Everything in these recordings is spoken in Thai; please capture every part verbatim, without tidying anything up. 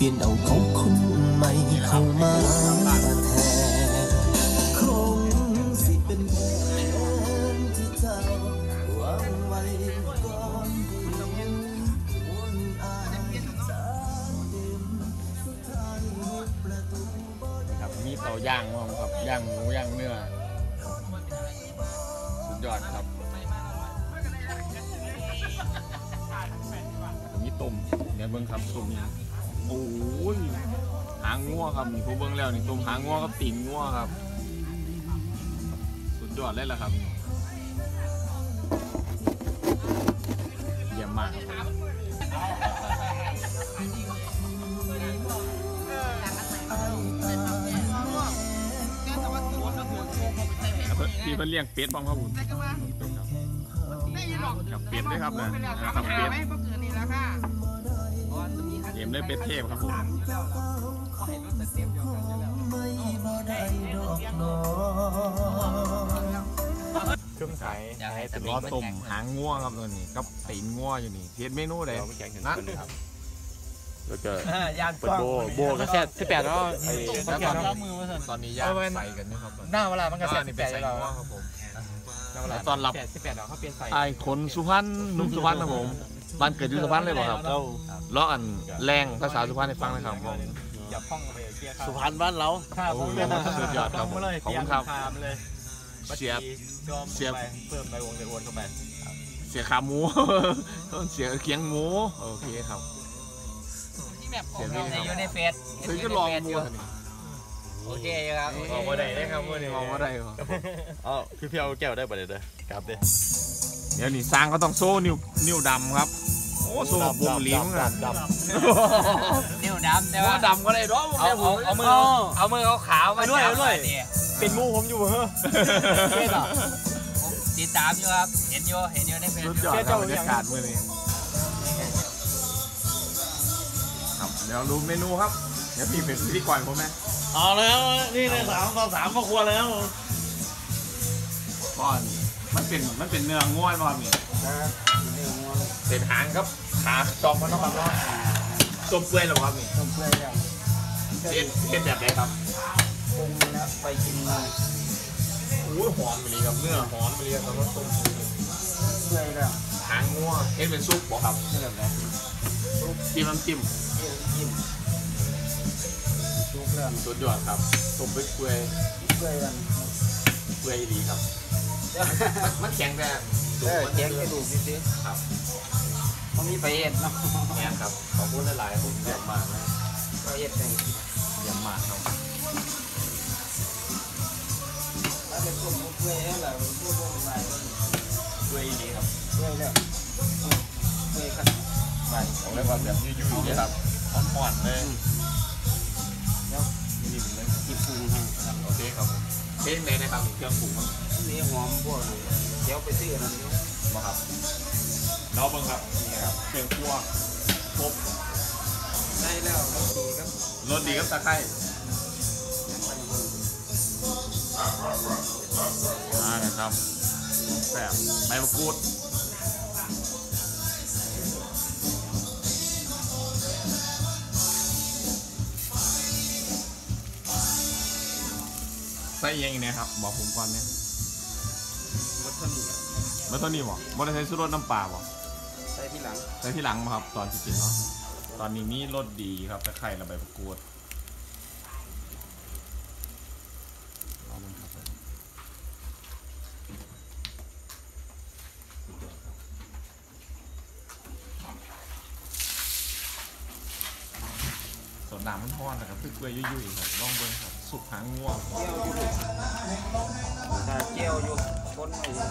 ลี่ยนเอาของคนใหม่เข้ามาแทนคงสิเป็นแผนที่เจ้าวางไว้ก่อนวนอายจากเดิมสุดท้ายประตูครับมีเตาย่างครับย่างหมูย่างเนื้อสุดยอดครับมีต้มเนี่ยเบิ้งครับต้มนี่โอ้ยหางงัวครับนี่ผู้เบิ้งแล้วนี่ต้มหางงัวกับตีนงัวครับสุดยอดเลยล่ะครับเยี่ยมมากพี่เพิ่นเลี้ยงเป็ดบ้างครับผมกับเป็ดด้วยครับนะกับเป็ดเยี่ยมเลยเป็ดเทพครับผมเครื่องใสล้อตุ่มหางงัวครับตัวนี้กับตีนงัวอยู่นี่เฮ็ดเมนูใดนะแล้วก็เปิดโบโบกระแสสิบแปดแล้วไอ้ตอนนี้ย่างใส่กันนะครับหน้าเวลามันกระแสสิบแปดแล้วครับผมตอนรับสิบแปดแล้วเขาเปลี่ยนใส่ไอ้คนสุพรรณหนุ่มสุพรรณนะผมบ้านเกิดอยู่สุพรรณเลยบ่ครับล้ออันแรงภาษาสุพรรณให้ฟังหน่อยครับผมสุพรรณบ้านเราสุดยอดครับขอบคุณครับเสียบเสียบเพิ่มใบวงเดือนเข้าไปเสียขาหมูเสียเคียงหมูโอเคครับเสียบอยู่ในเฟซคือก็ลองหมูโอเคครับมองว่าได้ได้ครับมองว่าได้ครับอ๋อพี่เพียวแก้วได้ประเดี๋ยวเด้อครับเด้เดี๋ยวนี่สร้างก็ต้องโซ่นิ้วนิ้วดำครับโอ้โซ่บุ้มลิ้มอ่ะนิ้วดำแต่ว่าดำก็ได้ด้วยเอาเอามือเอามือเขาขาวมาด้วยด้วยเป็นมูผมอยู่เหรอติดตามอยู่ครับเห็นอยู่เห็นอยู่ในเฟซสุดยอดครับบรรยากาศมื้อนี้ครับเดี๋ยวรู้เมนูครับเดี๋ยวพี่เป็นพิธีกรผมไหมเอาแล้วนี่เลยสามต่อสามครอบครัวแล้วก่อนมันเป็นมันเป็นเนื้อง่วนมาเนี่ยเศษหางครับขาจอมมันต้องความร้อนต้มเปื่อยหรอครับนี่ต้มเปื่อยแล้วเผ็ดเผ็ดแบบไหนครับปรุงแล้วไปกินมาโอ้ยหอมไปเลยครับเนื้อหอมไปเลยครับต้มเปื่อยแล้วหางง่วเฮ็ดเป็นซุปบ่ครับเนื้อแบบซุปจิ้มน้ำจิ้มจิ้มซุปเรื่องสุดยอดครับต้มเปื่อยเปื่อยเปื่อยกันเปื่อยดีครับมันแข็งแต่เออแข็งกระดูกนิดนึงครับเขามีไปเอ็ดเนาะแข็งครับขอบคุณหลายๆผมเยี่ยมมากนะไปเอ็ดเองเยี่ยมมากครับถ้าเป็นพวกเปื่อยแล้วพวกพวกอะไรเปื่อยดีครับเปื่อยแล้วเปื่อยกันไปผมเรียกว่าแบบยุ่ยๆเลยครับอ่อนๆเลยแล้วนิ่มเลยจิ้มปรุงให้โอเคครับเส้นไหนนะครับเครื่องปรุงนี่หอมพวกเดี๋ยวไปซื้อนั่นมาครับน้องเบิ้งครับนี่ครับเครื่องคั่วครบได้แล้วรสดีครับรสดีครับตะไคร้อ่านะครับแบบใบมะกรูดใส่ยังไงเนี่ยครับบอกผมก่อนเนี่ยมัทนี่มัทนี่บอกมัทนี่ใส่รสน้ำปลาบอกใส่ที่หลังใส่ที่หลังมาครับตอนที่กินเนาะตอนนี้มีรสดีครับตะไคร้ระใบมะกรูดเอาลงครับส่วนน้ำมันทอดนะครับเปื่อยๆยุ่ยๆครับลองเบิ้งครับสุกหางง่วงเจียวอยู่คนหน่อย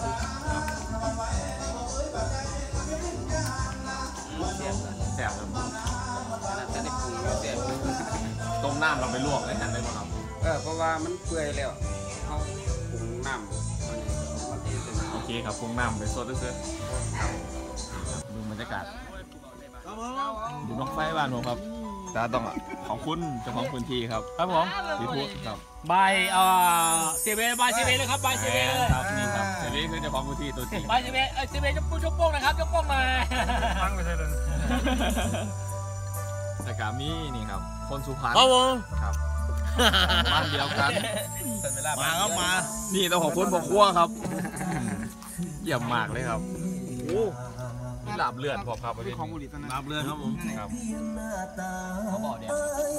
แซ่บครับจะได้ปรุงแซ่บต้มน้ำเราไปลวกได้ทันได้ไหมครับเออเพราะว่ามันเปื่อยแล้วเขาปรุงน้ำโอเคครับปรุงน้ำไปสดด้วยดูบรรยากาศดูนกไฟบ้านผมครับตาต้องขอบคุณเจ้าของพื้นที่ครับครับผมสีพูดครับใบเอ่อเซเว่นใบเซเว่นเลยครับใบเซเว่นเลยครับนี่ครับเซเว่นคือเจ้าของพื้นที่ตัวจริงใบเซเว่นเออเซเว่นยกโป้งยกโป้งนะครับยกโป้งมาฟังไปเลยแต่กามีนี่ครับคนสุพรรณครับผมครับบ้านเดียวกันมาครับมานี่ต้องขอบคุณพ่อครัวครับเยี่ยมมากเลยครับโอ้นี่ลาบเลือดพอครับประเทศนี้ลาบเลือดครับผมครับเขาบอกเนี่ย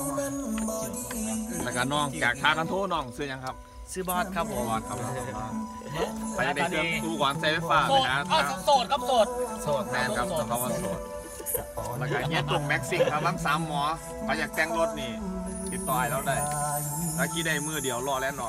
แล้วก็น้องจากทางกันโทน้องซื้อยังครับซื้อบอสครับผมบอลครับไปได้เครื่องตู้ก่อนใช้ไฟฟ้าโสเลยดนะอ้าวโสดครับโสดโสดแมนครับต้องเขาว่าโสดแล้วก็เฮียตุ่มแม็กซิงครับทั้งสามหมอใครอยากแต่งรถนี่ติดต่อให้เราได้แล้วกี่ได้มือเดียวรอแล้วหนอ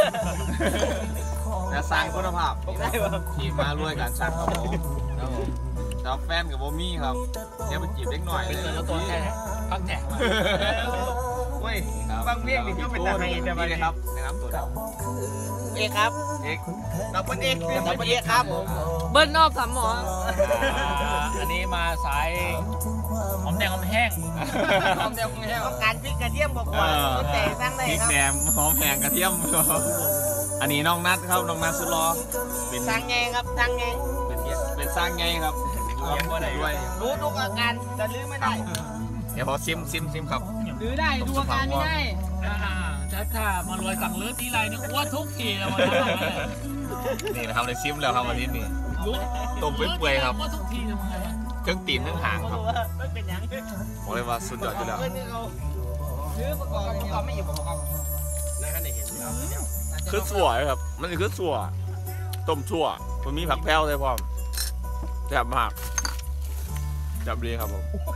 และสร้างคุณภาพทีมมารวยกันสร้างครับผมครับผมแล้วแฟนกับโบมี่ครับเดี๋ยวไปจีบเล็กหน่อยเป็นตัวตัวแค่พักแถกมาเว้ยบางเพลงนี่ก็เป็นตาไฮแต่ว่านี่ครับนะครับตัวดเอกครับำเอ็กเราเป็นเอกเราเป็นเอกครับผมเบิ้ลนอกสามหมออันนี้มาสายหอมแดงหอมแห้งหอมแดงหอมแห้งต้องการพริกกระเทียมบอกว่าต้นแต่สร้างได้พริกครับแหนมหอมแหงกระเทียม อันนี้น้องนัดครับน้องนัดสุดรอเป็นสร้างไงครับสร้างไงเป็นเป็นสร้างไงครับด้วยรู้ทุกอาการจะลืมไม่ได้เดี๋ยวพอซิมซิมซิมครับหรือได้ดูอาการไม่ได้อ่าถ้าถ้ามารวยสั่งเลือดทีไรนี่อ้วนทุกทีเลยวันนี้นี่นะครับในซิมแล้วครับวันนี้นี่รู้ต้มเปื่อยๆครับอ้วนทุกทีเลยมันไงเครื่องตีนเครื่องหางครับว่าไม่เป็นยังบอกเลยว่าสุดยอดอยู่แล้วเพื่อนที่เขาซื้อประกอบประกอบไม่อยู่ประกอบในขณะเห็นอยู่ครับคือสัวครับมันคือสัวต้มสัวมันมีผักแพ้วเลยพ่อแซ่บมากจับดีครับผม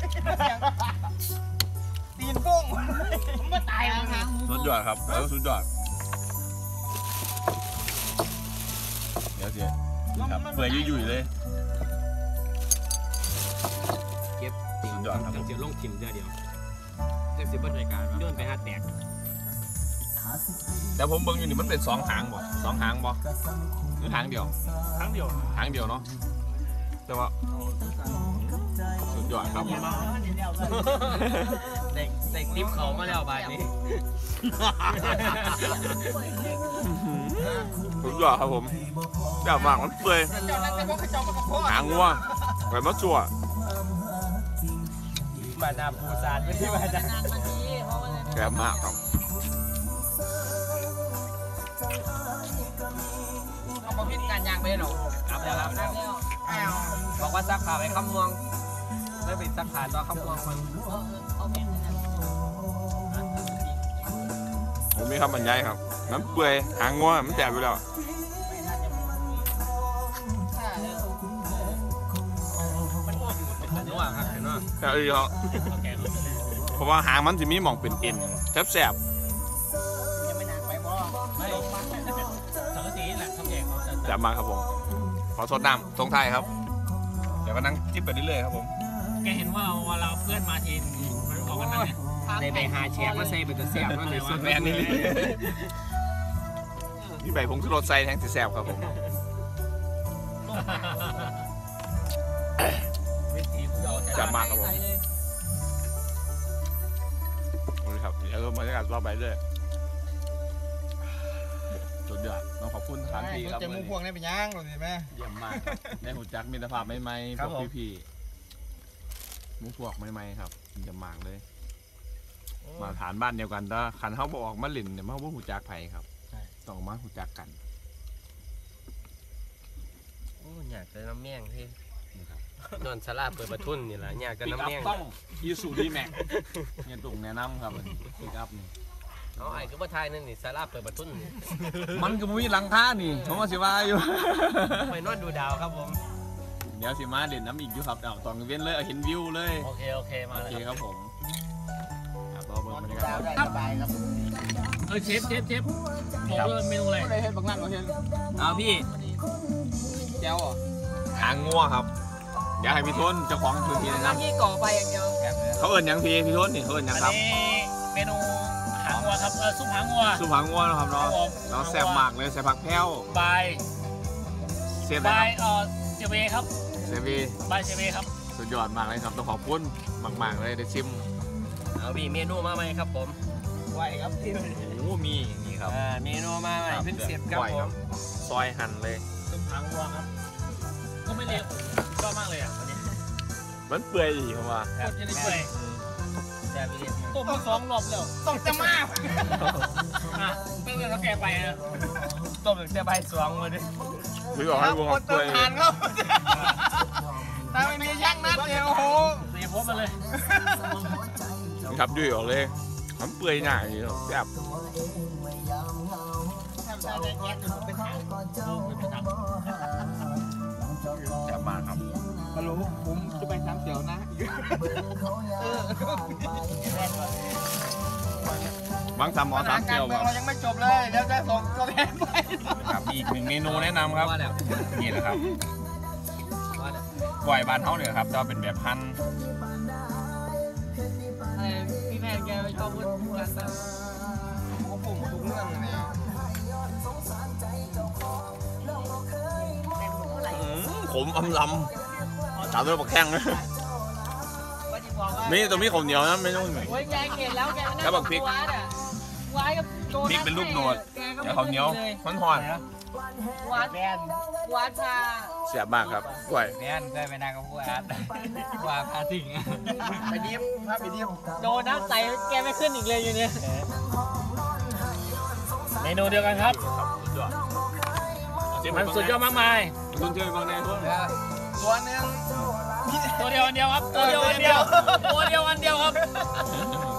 ตีนปุ้งผมก็ตายแล้วครับสุดยอดครับแล้วสุดยอดเดี๋ยวสิครับเปื่อยยุ่ยๆเลยเก็บสุดยอดครับเสียลงถิ่มเดียวเดียวเต็มสิบรายการย้อนไปห้าแตกแต่ผมเบิ่งอยู่นี่มันเป็นสองหางบ่สองหางบ่หรือหางเดียวครั้งเดียวหางเดียวเนาะแต่ว่าสุดยอดครับเด็กเด็กติ๊บเขามาแล้วใบนี้สุดยอดครับผมแซ่บมากมันเปื่อยหางงัวไก่มะจั่วมานาปูซานไม่ใช่มานาแซ่บมากครับเอามาพิจารณาไปหรอครับแล้วครับบอกว่าซักขาไปคำมวงไม่เป็นซักขาต่อคำมวงมันผมมีคำบรรยายครับน้ำเปื่อยหางงัวมันแซ่บอยู่แล้วนัวครับเห็นว่าแต่เออเขาเพราะว่าหางมันจะมีหม่องเป็นเอ็นแซ่บยังไม่นานไปบ่ไม่สังกะสีแหละทำแจกเขาจะๆแซ่บมากครับผมขอสดน้ำทรงไทยครับ เดี๋ยวก็นั่งจิ้มไปเรื่อยๆครับผมแกเห็นว่าเวลาเพื่อนมาทีมันบอกกันนั่นไงในใบหาแฉกมาใส่เป็นตะเสียบนั่นเลยสุดแมนนี่มีใบผงชูรสใส่แทงสีแซ่บครับผม จับมากครับผมนี่ครับเดี๋ยวบรรยากาศรอบไปเรื่อยสุดยอดต้องขอบคุณสถานที่ครับจะมูพวงได้เป็นย่างหรือไงแม่เยี่ยมมากครับได้หูจักมิตรภาพใหม่ๆพวกพี่ๆมุกพวกใหม่ๆครับเยี่ยมมากเลย มาฐานบ้านเดียวกันแต่ขันเขาบอกออกมาหลินเนี่ยเขาบอกหูจักไผ่ครับต้องมาหูจักกันโอ้อยากจะน้ำแม่งที่นอนสลาเปิดประทุนนี่แหละอยากจะปิกน้ำอัพแม่งต้องยูสูดีแม็กเนี่ยตุ่งแนะนำครับปิกอัพนี่เอาไอ้ก็บ่ทายนั่นนี่สลาเปิดประทุนนี่มันก็มีหลังคานี่ผมว่าสิว่าอยู่ไปนอนดูดาวครับผมเดี๋ยวสิมาเด่นน้ำอีกอยู่ครับเอาตอนเว้นเลยเอาเห็นวิวเลยโอเคโอเคมาโอเลยเคครับผมครับรอเบิ่งบรรยากาศสบายครับเออเชฟเชฟเชฟบอกเลยเมนูอะไรได้เห็นบางนั่นบางเห็นเอาพี่แก้วอ่ะหางงัวครับเดี๋ยวให้พี่ทนเจ้าของพื้นที่แนะนที่ก่อไฟอย่างเดียวำเขาเอิ้นหยังพี่พี่ทนนี่เขาเอิ้นหยังอันครับนี้เมนูหางวัวครับเออซุปหางวัวสุหางงัวนะครับครัเนาะบผมเราแซ่บมากเลยใส่ผักแพ้วบายเสียบบานะยครับเออเจเวครับเซฟีบายเจเวครับสุดยอดมากเลยครับต้องขอบคุณมากๆเลยได้ชิมเอาพี่เมนูมาไหมครับผมไหวครับที่โอ้มีนี่ครับอ่าเมนูมาไหมเพิ่งเสร็จครับก้อยผมซอยหั่นเลยซุปหางวัวครับก็ไม่เร็วชอบมากเลยอ่ะวันนี้มันเปื่อยอีกครับว่าโคตรจะได้เปื่อยอแต่ไปเรียนต้มมาสองรอบแล้วต้องจะมาอ่ะตั้งแต่เขาแก่ไปนะต้มแต่ใบสองมาดิพี่บอกให้วงคนต้องทานเขาถ้าไม่มีช่างนัดเดียวโอ้โหเสียพบมาเลยครับด้วยออกเลยมันเปื่อยหน่าอย่างนี้แบบ แซ่บมากครับฮัลโหลผมจะไปทำเตี๋ยวนะบางสามหมอสามเกลียวเรายังไม่จบเลยเดี๋ยวจะส่งตัวแทนไปครับอีกหนึ่งเมนูแนะนำครับนี่แหละครับกล้วยบานเฮาเนี่ยครับจะเป็นแบบพันอะไรพี่แมนแกไปชอบพูดกันแบบผมผมทุกเรื่องเลยขมอำลำตามด้วยปลาแข้งนะว่าจะบอกว่านี่ตัวมีข้าวเหนียวนะไม่ต้องโอ้ยแกเห็นแล้วแกไม่แล้วบักพริกวัดอ่ะวัดกับโดนพริกเป็นรูปโหนดแกก็เดี๋ไม่ยวข้าวเหนียวเลยมันหอนวัดวัดพาแซ่บมากครับกล้วยแม่นได้ไปนางกับผู้อาร์ตว่าพาสิ่งไปดิฟภาพไปดิฟโดนน้ำใสแกไม่ขึ้นอีกเลยอยู่เนี่ยเมนูเดียวกันครับ มันสุดยอดมากมายคุณเจอบางในพวกตัวนึงตัวเดียวอันเดียวครับ ตัวเดียวอันเดียว ตัวเดียวอันเดียวครับ